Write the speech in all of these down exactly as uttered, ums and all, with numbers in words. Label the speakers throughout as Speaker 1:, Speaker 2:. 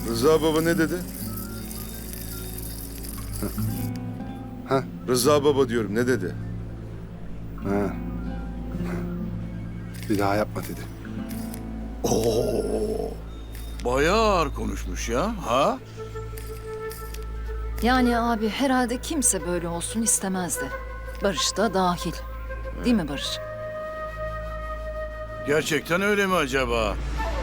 Speaker 1: Rıza baba ne dedi?
Speaker 2: Ha?
Speaker 1: Rıza baba diyorum, ne dedi?
Speaker 2: Ha. Bir daha yapma dedi.
Speaker 3: Oo. Bayağı ağır konuşmuş ya. Ha?
Speaker 4: Yani abi herhalde kimse böyle olsun istemezdi. Barış da dahil. Değil mi Barış?
Speaker 3: Gerçekten öyle mi acaba?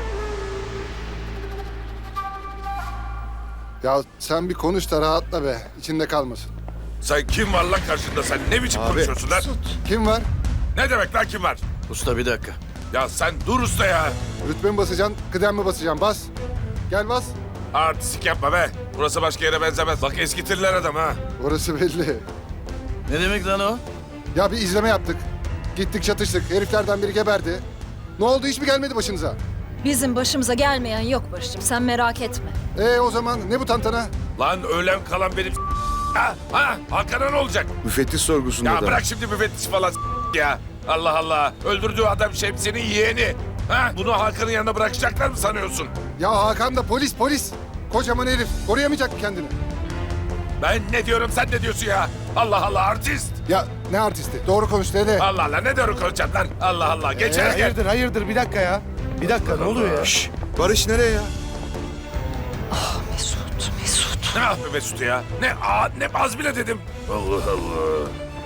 Speaker 2: Ya sen bir konuş da rahatla be. İçinde kalmasın.
Speaker 5: Sen kim var lan karşında, sen ne biçim konuşuyorsun lan?
Speaker 2: Kim var?
Speaker 5: Ne demek lan kim var?
Speaker 3: Usta bir dakika.
Speaker 5: Ya sen dur usta ya.
Speaker 2: Rütbe mi basacaksın, kıdem mi basacaksın? Bas. Gel bas.
Speaker 5: Artistik yapma be. Burası başka yere benzemez. Bak eskitirler adam ha.
Speaker 2: Orası belli.
Speaker 3: Ne demek lan o?
Speaker 2: Ya bir izleme yaptık. Gittik çatıştık. Heriflerden biri geberdi. Ne oldu, hiç mi gelmedi başınıza?
Speaker 4: Bizim başımıza gelmeyen yok Barış'cığım, sen merak etme.
Speaker 2: Ee o zaman ne bu tantana?
Speaker 5: Lan ölen kalan benim ha, ha, Hakan'a ne olacak?
Speaker 1: Müfettiş sorgusunda
Speaker 5: Ya
Speaker 1: da.
Speaker 5: bırak şimdi müfettiş falan ya. Allah Allah. Öldürdüğü adam Şemsi'nin yeğeni. Ha? Bunu Hakan'ın yanına bırakacaklar mı sanıyorsun?
Speaker 2: Ya Hakan da polis polis. Kocaman herif. Koruyamayacak mı kendini?
Speaker 5: Ben ne diyorum, sen ne diyorsun ya? Allah Allah, artist.
Speaker 2: Ya ne artisti? Doğru konuş dede.
Speaker 5: Allah Allah, ne diyorum konuşacağım lan? Allah Allah, geç
Speaker 2: Ee,
Speaker 5: hele gel.
Speaker 6: Hayırdır hayırdır bir dakika ya. Bir dakika ne oluyor ya?
Speaker 1: Şşş, Barış nereye ya?
Speaker 4: Mesut, Mesut.
Speaker 5: Ne yapıyor Mesut ya? Ne aa, ne az bile dedim. Allah Allah.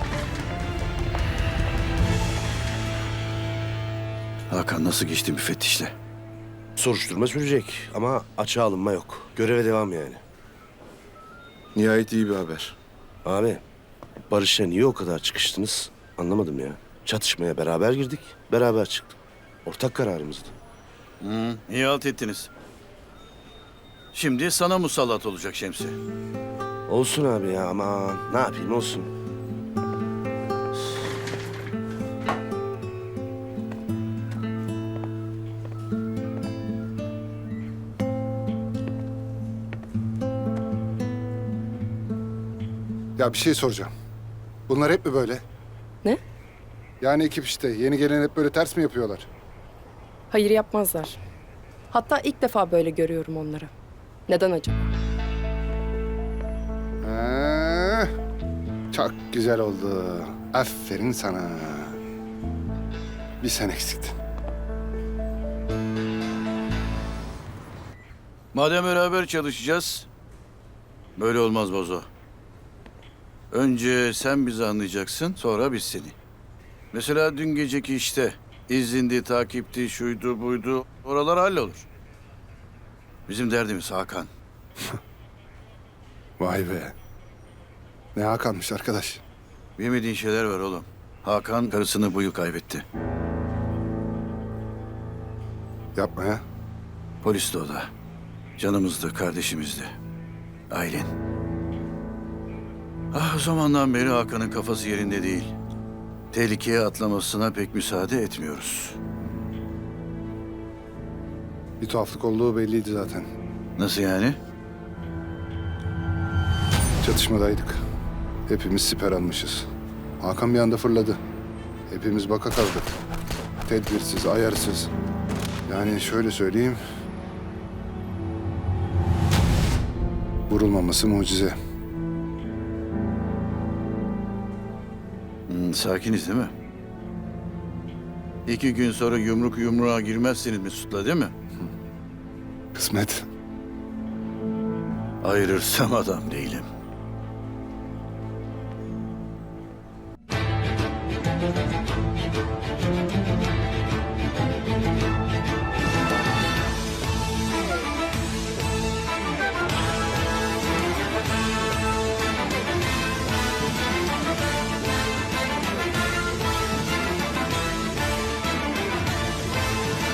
Speaker 3: Hakan nasıl geçti müfettişle?
Speaker 6: Soruşturma sürecek ama açığa alınma yok. Göreve devam yani.
Speaker 1: Nihayet iyi bir haber.
Speaker 6: Abi Barış'la niye o kadar çıkıştınız anlamadım ya. Çatışmaya beraber girdik, beraber çıktık. Ortak kararımızdı.
Speaker 3: Hı, iyi halt ettiniz. Şimdi sana musallat olacak Şemsi.
Speaker 6: Olsun abi ya aman ne yapayım olsun.
Speaker 2: Ya bir şey soracağım. Bunlar hep mi böyle?
Speaker 7: Ne?
Speaker 2: Yani ekip işte. Yeni gelen hep böyle ters mi yapıyorlar?
Speaker 7: Hayır yapmazlar. Hatta ilk defa böyle görüyorum onları. Neden acaba?
Speaker 2: Ha, çok güzel oldu. Aferin sana. Bir sen eksiktin.
Speaker 3: Madem beraber çalışacağız, böyle olmaz Bozo. Önce sen bizi anlayacaksın, sonra biz seni. Mesela dün geceki işte izindi, takipti, şuydu, buydu, oralar hallolur. Bizim derdimiz Hakan.
Speaker 2: Vay be. Ne Hakan'mış arkadaş.
Speaker 3: Bilmediğin şeyler var oğlum. Hakan karısını bu yıl kaybetti.
Speaker 2: Yapma ya.
Speaker 3: Polis de o da. Canımızdı, kardeşimizdi. Aylin. Ah, o zamandan beri Hakan'ın kafası yerinde değil. Tehlikeye atlamasına pek müsaade etmiyoruz.
Speaker 2: Bir tuhaflık olduğu belliydi zaten.
Speaker 3: Nasıl yani?
Speaker 2: Çatışmadaydık. Hepimiz siper almışız. Hakan bir anda fırladı. Hepimiz baka kaldık. Tedbirsiz, ayarsız. Yani şöyle söyleyeyim. Vurulmaması mucize.
Speaker 3: Hmm, sakiniz değil mi? İki gün sonra yumruk yumruğa girmezsiniz Mesut'la değil mi?
Speaker 2: Kısmet.
Speaker 3: Ayırırsam adam değilim.